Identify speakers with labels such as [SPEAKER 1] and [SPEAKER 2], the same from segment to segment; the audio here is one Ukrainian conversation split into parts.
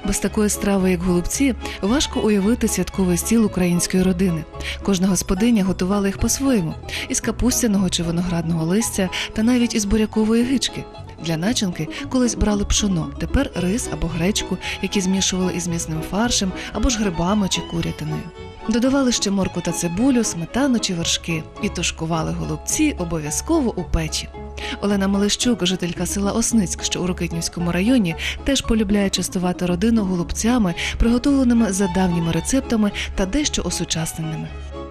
[SPEAKER 1] Без такої страви, як голубці, важко уявити святковий стіл української родини. Кожна господиня готувала їх по-своєму – із капустяного чи виноградного листя та навіть із бурякової гички. Для начинки колись брали пшоно, тепер рис або гречку, які змішували із м'ясним фаршем або ж грибами чи курятиною. Додавали ще моркву та цибулю, сметану чи вершки і тушкували голубці обов'язково у печі. Олена Малищук, жителька села Осницьк, що у Рокитнівському районі, теж полюбляє частувати родину голубцями, приготовленими за давніми рецептами та дещо осучасненими.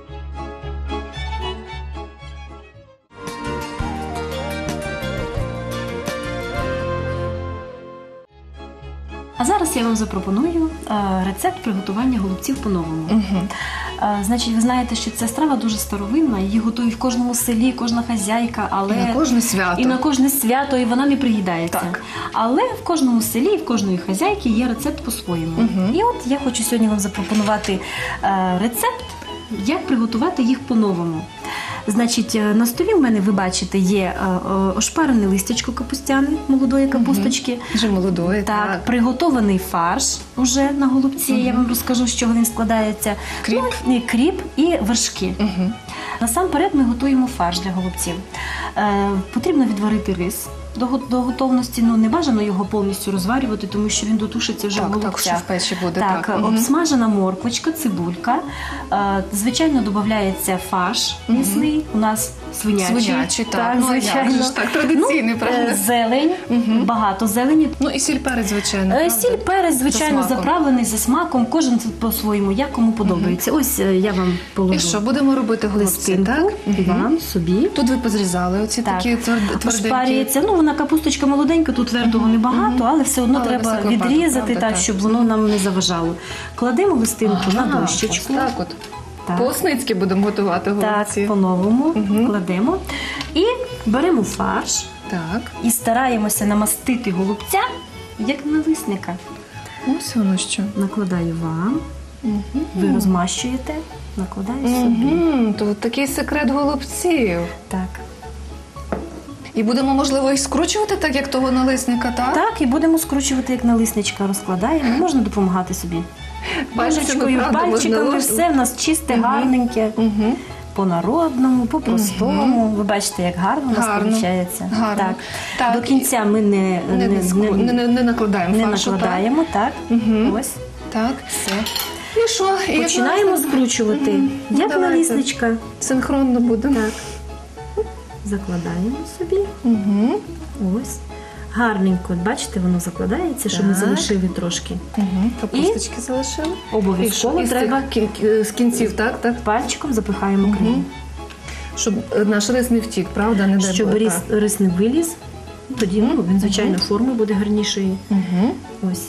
[SPEAKER 2] А зараз я вам запропоную рецепт приготування голубців по-новому. Значить, ви знаєте, що ця страва дуже старовинна, її готують в кожному селі, кожна хазяйка, але...
[SPEAKER 1] І на кожне свято.
[SPEAKER 2] І на кожне свято, і вона не приїдається.
[SPEAKER 1] Так.
[SPEAKER 2] Але в кожному селі, в кожної хазяйки є рецепт по-своєму. І от я хочу сьогодні вам запропонувати рецепт, як приготувати їх по-новому. Значить, на столі в мене, ви бачите, є ошпарене листячко капустяне, молодої капусточки.
[SPEAKER 1] Вже молодої,
[SPEAKER 2] так. Приготований фарш уже на голубці, я вам розкажу, з чого він складається.
[SPEAKER 1] Кріп.
[SPEAKER 2] Кріп і вершки. Насамперед ми готуємо фарш для голубців. Потрібно відварити рис до готовності, не бажано його повністю розварювати, тому що він дотушиться вже в голубцях.
[SPEAKER 1] Так, що в печі буде.
[SPEAKER 2] Так, обсмажена морквочка, цибулька. Звичайно, додається фарш м'ясний, у нас свинячий.
[SPEAKER 1] Так, звичайно. Так, традиційний, правда?
[SPEAKER 2] Зелень, багато зелені.
[SPEAKER 1] Ну і сіль, перець, звичайно.
[SPEAKER 2] Сіль, перець, звичайно, заправлений за смаком, кожен по-своєму, як кому подобається. Ось я вам положу.
[SPEAKER 1] І що, будемо робити голубці, так?
[SPEAKER 2] Вам, собі.
[SPEAKER 1] Тут ви позрізали оці такі тверденькі.
[SPEAKER 2] Ошпарюється. Вона капусточка молоденька, тут твердого небагато, але все одно треба відрізати, так, щоб воно нам не заважало. Кладемо листинку на дощечку.
[SPEAKER 1] Так от. По-осницьки будемо готувати голубці.
[SPEAKER 2] Так, по-новому кладемо. І беремо фарш.
[SPEAKER 1] Так.
[SPEAKER 2] І стараємося намастити голубця, як налисника.
[SPEAKER 1] Ось воно що.
[SPEAKER 2] Накладаю вам. Ви розмащуєте, накладаю собі.
[SPEAKER 1] То такий секрет голубців.
[SPEAKER 2] Так.
[SPEAKER 1] І будемо, можливо, їх скручувати, так як того налисника, так?
[SPEAKER 2] Так, і будемо скручувати, як налисничка розкладаємо. Можна допомагати собі. Ложечкою, пальчиками, все в нас чисте, гарненьке. По-народному, по-простому. Ви бачите, як гарно у нас виходить.
[SPEAKER 1] Гарно.
[SPEAKER 2] Так. До кінця ми
[SPEAKER 1] не накладаємо фаршу.
[SPEAKER 2] Не накладаємо, так. Ось.
[SPEAKER 1] Так.
[SPEAKER 2] Все.
[SPEAKER 1] І що?
[SPEAKER 2] Починаємо скручувати, як налисничка.
[SPEAKER 1] Синхронно будемо.
[SPEAKER 2] Так. Закладаємо собі. Ось. Гарненько, бачите, воно закладається, щоб ми залишили трошки.
[SPEAKER 1] Капусточки залишили.
[SPEAKER 2] Обов'язково треба
[SPEAKER 1] з кінців, так?
[SPEAKER 2] Пальчиком запихаємо крем.
[SPEAKER 1] Щоб наш рис не втік, правда? Не дай
[SPEAKER 2] щоб рис не виліз, тоді він, звичайно, форми буде гарнішою. Ось.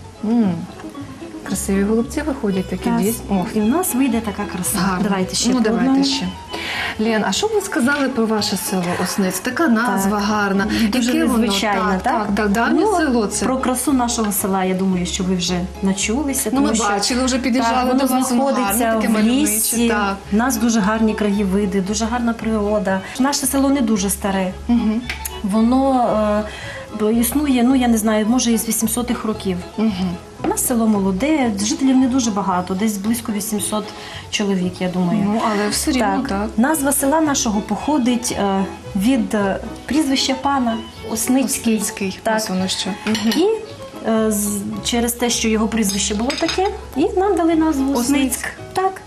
[SPEAKER 1] Красиві голубці виходять такі дійсно.
[SPEAKER 2] І в нас вийде така краса.
[SPEAKER 1] Гарно.
[SPEAKER 2] Давайте ще
[SPEAKER 1] давайте ще. Лен, а що ви сказали про ваше село Осниць? Така назва гарна.
[SPEAKER 2] Дуже незвичайна,
[SPEAKER 1] так? Давнє село це.
[SPEAKER 2] Про красу нашого села, я думаю, що ви вже начулися.
[SPEAKER 1] Ми бачили, вже під'їжджали до вас.
[SPEAKER 2] Воно знаходиться в лісі. У нас дуже гарні краєвиди, дуже гарна природа. Наше село не дуже старе. Воно існує, я не знаю, може із 800-х років. У нас село молоде, жителів не дуже багато, десь близько 800 чоловік, я думаю.
[SPEAKER 1] Але все рівно так.
[SPEAKER 2] Назва села нашого походить від прізвища пана Осницький.
[SPEAKER 1] Так. Ось воно що.
[SPEAKER 2] І через те, що його прізвище було таке, і нам дали назву Осницьк. Так.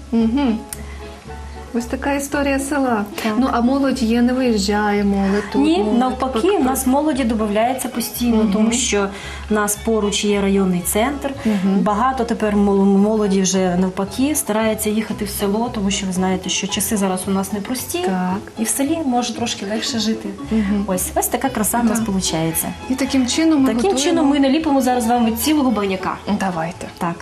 [SPEAKER 1] Ось така історія села. Так. А молодь є, не виїжджає молодь тут?
[SPEAKER 2] Ні, навпаки, в нас молоді додається постійно, тому що в нас поруч є районний центр. Багато тепер молоді вже навпаки старається їхати в село, тому що ви знаєте, що часи зараз у нас непрості.
[SPEAKER 1] Так.
[SPEAKER 2] І в селі може трошки легше жити. Ось така краса в нас виходить.
[SPEAKER 1] І таким чином
[SPEAKER 2] ми наліпимо зараз вам від цілого баняка.
[SPEAKER 1] Давайте.
[SPEAKER 2] Так.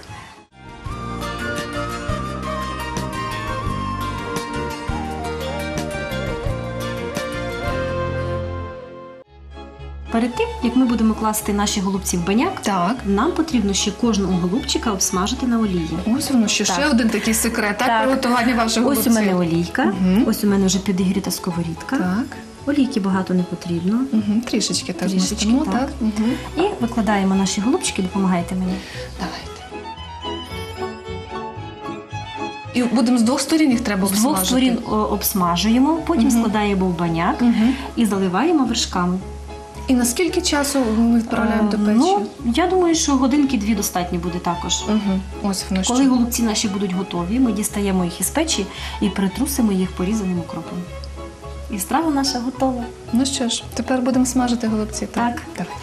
[SPEAKER 2] Перед тим, як ми будемо класти наші голубці в баняк, нам потрібно ще кожного голубчика обсмажити на олії.
[SPEAKER 1] Ось воно ще один такий секрет, приготування ваших голубців.
[SPEAKER 2] Ось у мене олійка, ось у мене вже підігріта сковорідка. Олійки багато не потрібно.
[SPEAKER 1] Трішечки так
[SPEAKER 2] Трішечки,
[SPEAKER 1] змастимо,
[SPEAKER 2] так.
[SPEAKER 1] так?
[SPEAKER 2] І викладаємо наші голубчики, допомагайте мені.
[SPEAKER 1] Давайте. І будемо з двох сторін їх треба
[SPEAKER 2] З
[SPEAKER 1] обсмажити?
[SPEAKER 2] двох сторін обсмажуємо, потім складаємо в баняк і заливаємо вершками.
[SPEAKER 1] І на скільки часу ми відправляємо до печі?
[SPEAKER 2] Ну, я думаю, що годинки-дві достатньо буде також.
[SPEAKER 1] Ось воно
[SPEAKER 2] Коли
[SPEAKER 1] що.
[SPEAKER 2] голубці наші будуть готові, ми дістаємо їх із печі і притрусимо їх порізаним укропом. І страва наша готова.
[SPEAKER 1] Ну що ж, тепер будемо смажити голубці.
[SPEAKER 2] Так.
[SPEAKER 1] Давайте.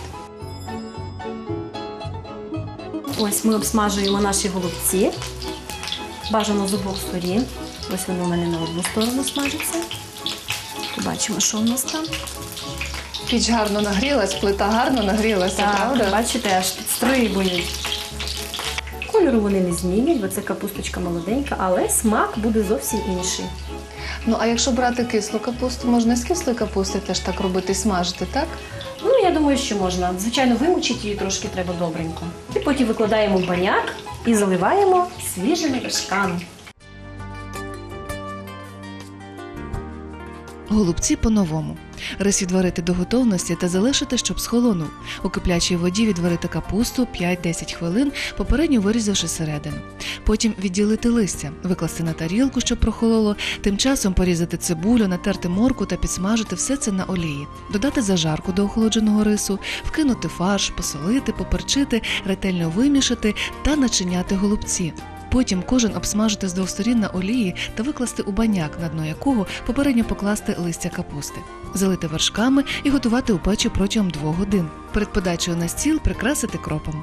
[SPEAKER 2] Ось ми обсмажуємо наші голубці. Бажано з обох сторін. Ось вони у мене на одну сторону смажаться. Побачимо, що у нас там.
[SPEAKER 1] Піч гарно нагрілась, плита гарно нагрілася, правда?
[SPEAKER 2] Бачите, аж підстрибують. Кольору вони не змінять, бо це капусточка молоденька, але смак буде зовсім інший.
[SPEAKER 1] Ну, а якщо брати кислу капусту, можна з кислої капусти теж так робити і смажити, так?
[SPEAKER 2] Ну, я думаю, що можна. Звичайно, вимочити її трошки треба добренько. І потім викладаємо в баняк і заливаємо свіжими вершками.
[SPEAKER 1] Голубці по-новому. Рис відварити до готовності та залишити, щоб схолонув. У киплячій воді відварити капусту 5-10 хвилин, попередньо вирізавши середину. Потім відділити листя, викласти на тарілку, щоб прохололо, тим часом порізати цибулю, натерти моркву та підсмажити все це на олії. Додати зажарку до охолодженого рису, вкинути фарш, посолити, поперчити, ретельно вимішати та начиняти голубці. Потім кожен обсмажити з двох сторін на олії та викласти у баняк, на дно якого попередньо покласти листя капусти. Залити вершками і готувати у печі протягом 2 годин. Перед подачею на стіл прикрасити кропом.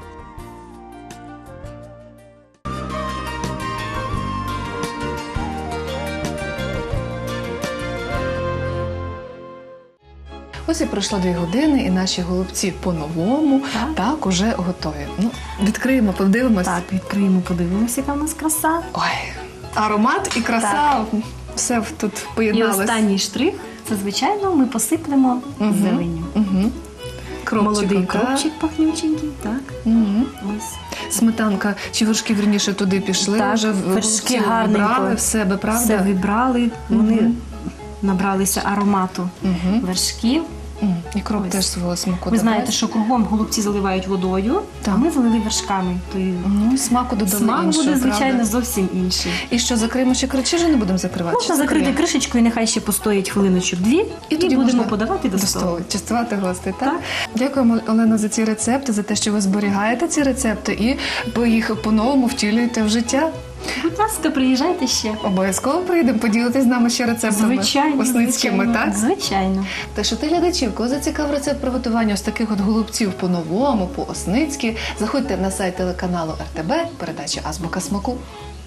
[SPEAKER 1] Ось і пройшло 2 години, і наші голубці по-новому так уже готові. Ну, відкриємо, подивимось.
[SPEAKER 2] Так, відкриємо, подивимося, яка в нас краса.
[SPEAKER 1] Ой, аромат і краса,
[SPEAKER 2] Так.
[SPEAKER 1] все тут
[SPEAKER 2] І
[SPEAKER 1] поєдналось.
[SPEAKER 2] останній штрих, це, звичайно, ми посиплемо зеленню. Молодий кропчик пахнюченький, так. Ось.
[SPEAKER 1] Сметанка чи вершки, вірніше, туди пішли,
[SPEAKER 2] Так,
[SPEAKER 1] вже
[SPEAKER 2] вершки
[SPEAKER 1] вибрали
[SPEAKER 2] гарненько.
[SPEAKER 1] в себе, правда?
[SPEAKER 2] Все вибрали, вони набралися аромату вершків.
[SPEAKER 1] І кроп
[SPEAKER 2] Ось.
[SPEAKER 1] теж свого смаку
[SPEAKER 2] Ви знаєте,
[SPEAKER 1] додає.
[SPEAKER 2] що кругом голубці заливають водою, а ми залили вершками. То і
[SPEAKER 1] Смаку додали
[SPEAKER 2] смак
[SPEAKER 1] іншого,
[SPEAKER 2] буде, звичайно,
[SPEAKER 1] правда?
[SPEAKER 2] зовсім інший.
[SPEAKER 1] І що, закриємо ще кричі, чи не будемо закривати?
[SPEAKER 2] Можна
[SPEAKER 1] Чи
[SPEAKER 2] закрити
[SPEAKER 1] закриємо?
[SPEAKER 2] кришечкою, нехай ще постоїть хвилиночок-2, і
[SPEAKER 1] тоді
[SPEAKER 2] будемо
[SPEAKER 1] можна
[SPEAKER 2] подавати до
[SPEAKER 1] до
[SPEAKER 2] столу.
[SPEAKER 1] столу, частувати гостей, так? Дякуємо, Олено, за ці рецепти, за те, що ви зберігаєте ці рецепти і ви їх по-новому втілюєте в життя.
[SPEAKER 2] Будь ласка, приїжджайте ще.
[SPEAKER 1] Обов'язково прийдемо, поділитись з нами ще рецептами
[SPEAKER 2] Звичайно,
[SPEAKER 1] осницькими,
[SPEAKER 2] звичайно.
[SPEAKER 1] так?
[SPEAKER 2] Звичайно.
[SPEAKER 1] Та що ти глядачів, кого зацікав рецепт приготування ось таких от голубців по-новому, по-осницьки, заходьте на сайт телеканалу РТБ, передача «Азбука смаку».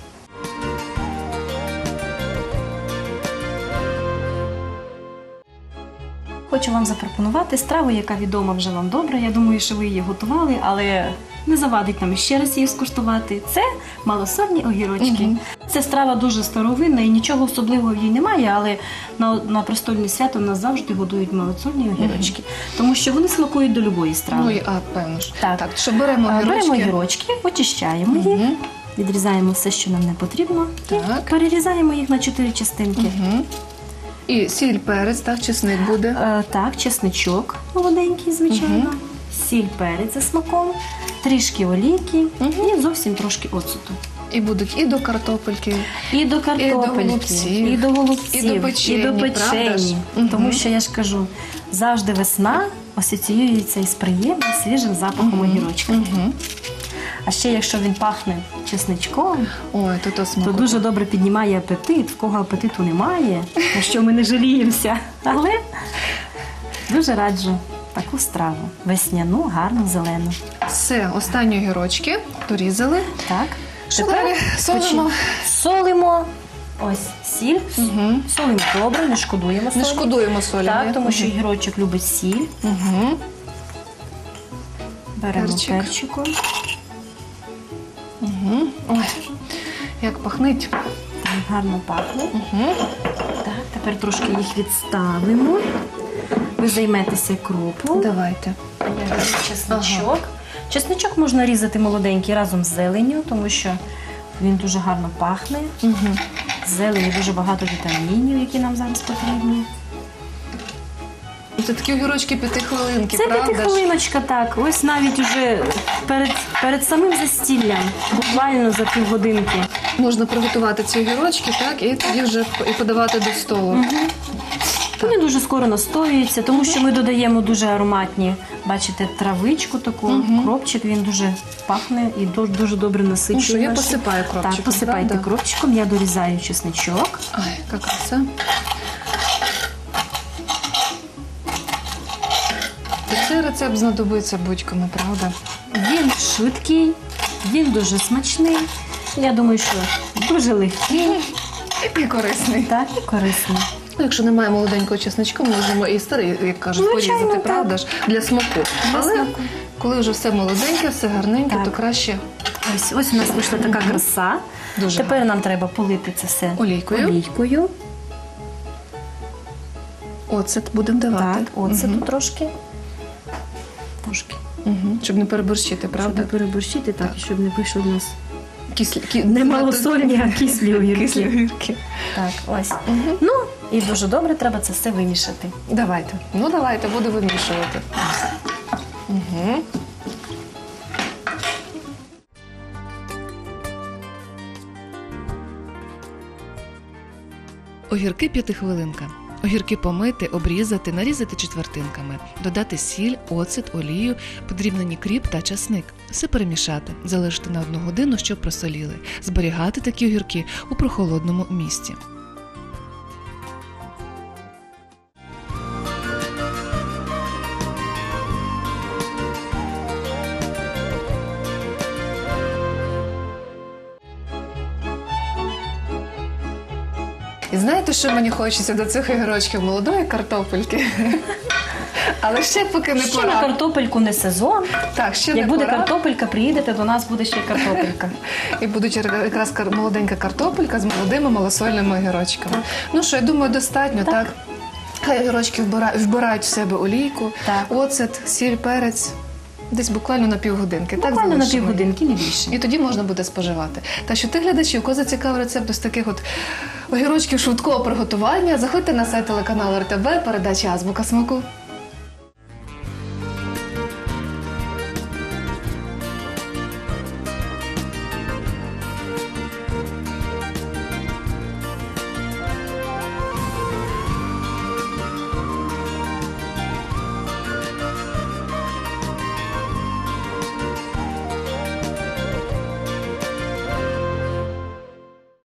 [SPEAKER 2] Хочу вам запропонувати страву, яка відома вже вам добре. Я думаю, що ви її готували, але не завадить нам ще раз її скуштувати. Це малосольні огірочки. Це страва дуже старовинна і нічого особливого в їй немає, але на престольне свято нас завжди годують малосольні огірочки, тому що вони смакують до любої страви.
[SPEAKER 1] Ну, і, певно ж.
[SPEAKER 2] Так.
[SPEAKER 1] Що беремо огірочки?
[SPEAKER 2] Беремо огірочки, очищаємо їх, відрізаємо все, що нам не потрібно,
[SPEAKER 1] Так.
[SPEAKER 2] і перерізаємо їх на 4 частинки.
[SPEAKER 1] І сіль, перець, так, чесник буде.
[SPEAKER 2] Так, чесничок молоденький, звичайно, сіль, перець за смаком, трішки олійки і зовсім трошки оцту.
[SPEAKER 1] І будуть і до картопельки,
[SPEAKER 2] І до картопельки,
[SPEAKER 1] голубців,
[SPEAKER 2] і до голубців,
[SPEAKER 1] і до печені, правда ж?
[SPEAKER 2] Тому що, я ж кажу, завжди весна асоціюється із приємним свіжим запахом огірочка. А ще якщо він пахне чесничком,
[SPEAKER 1] ой, то смаку.
[SPEAKER 2] то дуже добре піднімає апетит. В кого апетиту немає, на що ми не жаліємося. Але дуже раджу таку страву. Весняну, гарну, зелену.
[SPEAKER 1] Все, останні огірочки порізали.
[SPEAKER 2] Так.
[SPEAKER 1] Що далі? Солимо?
[SPEAKER 2] Солимо. Ось сіль. Солимо добре, не шкодуємо солі.
[SPEAKER 1] Не шкодуємо солі.
[SPEAKER 2] Так, тому що огірочок любить сіль. Беремо перчику.
[SPEAKER 1] Ой, як пахнить.
[SPEAKER 2] Гарно пахне. Так, тепер трошки їх відставимо. Ви займетеся кропом.
[SPEAKER 1] Давайте.
[SPEAKER 2] Я беру чесничок. Чесничок можна різати молоденький разом з зеленню, тому що він дуже гарно пахне. В зелені дуже багато вітамінів, які нам зараз потрібні.
[SPEAKER 1] Це такі огірочки 5-хвилинки,
[SPEAKER 2] Це
[SPEAKER 1] правда?
[SPEAKER 2] 5-хвилиночка, так. Ось навіть уже перед самим застіллям, буквально за півгодинки.
[SPEAKER 1] Можна приготувати ці огірочки, так, і тоді вже і подавати до столу.
[SPEAKER 2] Вони дуже скоро настоюються, тому що ми додаємо дуже ароматні, бачите, травичку таку, кропчик, він дуже пахне і дуже добре насичує.
[SPEAKER 1] Ну що, я
[SPEAKER 2] наші.
[SPEAKER 1] посипаю кропчиком,
[SPEAKER 2] Так, посипайте
[SPEAKER 1] правда?
[SPEAKER 2] кропчиком, я дорізаю чесничок.
[SPEAKER 1] Ай, яка краса. І цей рецепт знадобиться будь-кому, правда?
[SPEAKER 2] Він швидкий, він дуже смачний. Я думаю, що дуже легкий,
[SPEAKER 1] І корисний.
[SPEAKER 2] так, і корисний.
[SPEAKER 1] Ну, якщо немає молоденького чесничка, ми можемо і старий, як кажуть,
[SPEAKER 2] Звичайно,
[SPEAKER 1] порізати,
[SPEAKER 2] так.
[SPEAKER 1] правда ж, для смаку.
[SPEAKER 2] Для
[SPEAKER 1] Але
[SPEAKER 2] смаку.
[SPEAKER 1] коли вже все молоденьке, все гарненьке,
[SPEAKER 2] Так.
[SPEAKER 1] то краще
[SPEAKER 2] Ось у нас вийшла така краса.
[SPEAKER 1] Дуже
[SPEAKER 2] Тепер нам треба полити це все
[SPEAKER 1] Олійкою. Оцет будемо давати.
[SPEAKER 2] Так, оцету трошки. Трошки.
[SPEAKER 1] Щоб не переборщити,
[SPEAKER 2] Щоб
[SPEAKER 1] правда?
[SPEAKER 2] не переборщити, так, і щоб не вийшло в нас
[SPEAKER 1] Кислі,
[SPEAKER 2] не малосольні, а кислі огірки.
[SPEAKER 1] Кислі огірки.
[SPEAKER 2] Так, ось. Ну, і дуже добре треба це все вимішати.
[SPEAKER 1] Давайте. Ну, давайте, буду вимішувати. Угу. Огірки 5-хвилинка. Огірки помити, обрізати, нарізати четвертинками, додати сіль, оцет, олію, подрібнені кріп та часник. Все перемішати, залишити на 1 годину, щоб просоліли. Зберігати такі огірки у прохолодному місці. І знаєте, що мені хочеться до цих огірочків? Молодої картопельки. Але ще поки не
[SPEAKER 2] Ще на
[SPEAKER 1] пора.
[SPEAKER 2] картопельку не сезон.
[SPEAKER 1] Так, ще
[SPEAKER 2] Як
[SPEAKER 1] не
[SPEAKER 2] буде
[SPEAKER 1] пора.
[SPEAKER 2] картопелька, приїдете, до нас буде ще картопелька.
[SPEAKER 1] І буде якраз молоденька картопелька з молодими малосольними огірочками. Ну що, я думаю, достатньо, так? Хай огірочки вбирають в себе олійку,
[SPEAKER 2] Так.
[SPEAKER 1] оцет, сіль, перець. Десь буквально на півгодинки. Так
[SPEAKER 2] Буквально на
[SPEAKER 1] залишимо.
[SPEAKER 2] півгодинки, не більше.
[SPEAKER 1] І тоді можна буде споживати. Так що ти, глядачі, у кого зацікавив рецепт ось таких от огірочків швидкого приготування, заходьте на сайт телеканалу РТБ, передача «Азбука смаку».